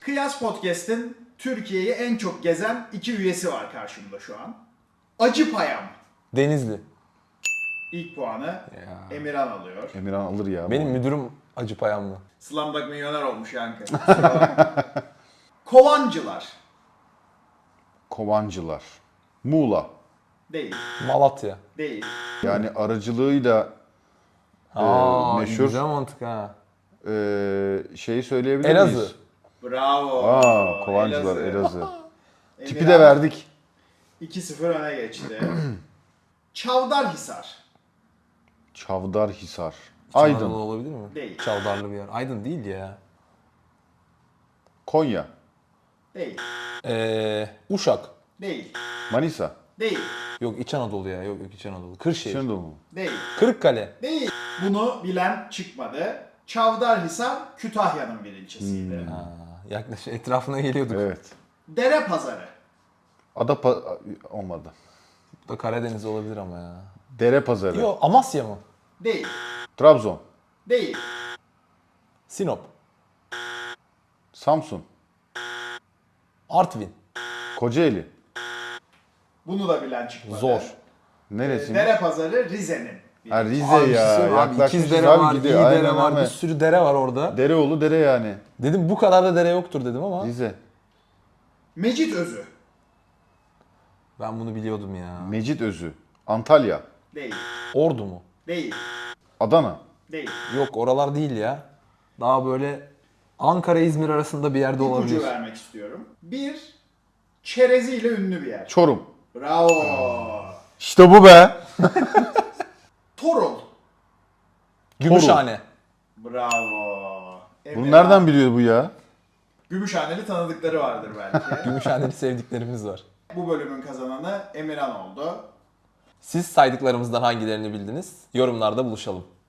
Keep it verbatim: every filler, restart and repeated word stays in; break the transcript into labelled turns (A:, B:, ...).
A: Kıyas Podcast'in Türkiye'yi en çok gezen iki üyesi var karşımda şu an. Acıpayam.
B: Denizli.
A: İlk puanı
B: Ya.
A: Emirhan alıyor.
C: Emirhan alır ya.
B: Benim müdürüm Acıpayamlı.
A: Slumdog milyoner olmuş yankı. Kusura bakma. Kovancılar.
C: Kovancılar. Muğla.
A: Değil.
B: Malatya.
A: Değil.
C: Yani aracılığıyla
B: Aa,
C: meşhur.
B: güzel mantık ha.
C: e, şeyi söyleyebilir
B: Elazığ.
C: miyiz?
A: Bravo.
C: Aa, Kovancılar Elazığ. Tipi
A: Emirhan
C: de verdik.
A: iki sıfır öne geçti. Çavdarhisar.
C: Çavdarhisar.
B: İç Anadolu
C: Aydın.
B: olabilir mi?
A: Değil.
B: Çavdarlı bir yer. Aydın değil ya.
C: Konya.
A: Değil.
B: Ee, Uşak.
A: Değil.
C: Manisa.
A: Değil.
B: Yok İç Anadolu ya. Yok yok İç Anadolu. Kırşehir.
C: Şenol mu?
A: Değil.
B: Kırıkkale.
A: Değil. Bunu bilen çıkmadı. Çavdarhisar Kütahya'nın bir ilçesiydi.
B: Ha, yaklaşık etrafına geliyorduk.
C: Evet.
A: Dere Pazarı.
C: Adapa olmadı.
B: Bu da Karadeniz olabilir ama ya.
C: Dere pazarı.
B: Yok Amasya mı?
A: Değil.
C: Trabzon.
A: Değil.
B: Sinop.
C: Samsun.
B: Artvin.
C: Kocaeli.
A: Bunu da bilen çıkmadı.
B: Zor.
C: Neresi?
A: Dere Pazarı Rize'nin. bir
C: Ha,
A: ilçesi.
C: Rize
B: Abi, bir şey
C: ya.
B: söyleyeyim mi? Abi,
C: Yaklaşmışız
B: İkiz dere
C: abi,
B: var, iyi
C: gidiyor.
B: dere
C: Aynen
B: var,
C: öyle.
B: bir sürü dere var orada.
C: Dereoğlu dere yani.
B: Dedim bu kadar da dere yoktur dedim ama
C: Rize.
A: Mecit Özü.
B: ben bunu biliyordum ya.
C: Mecit Özü. Antalya.
A: Değil.
B: Ordu mu?
A: Değil.
C: Adana.
A: Değil.
B: Yok oralar değil ya. Daha böyle Ankara-İzmir arasında bir yerde
A: İpucu
B: olabilir.
A: vermek istiyorum. Bir, çereziyle ünlü bir yer.
C: Çorum.
A: Bravo.
C: İşte bu be.
A: Torul.
B: Gümüşhane.
A: Bravo.
C: Bunu
A: Emirhan.
C: nereden biliyor bu ya?
A: Gümüşhaneli tanıdıkları vardır belki.
B: Gümüşhaneli sevdiklerimiz var.
A: Bu bölümün kazananı Emirhan oldu.
B: Siz saydıklarımızdan hangilerini bildiniz? Yorumlarda buluşalım.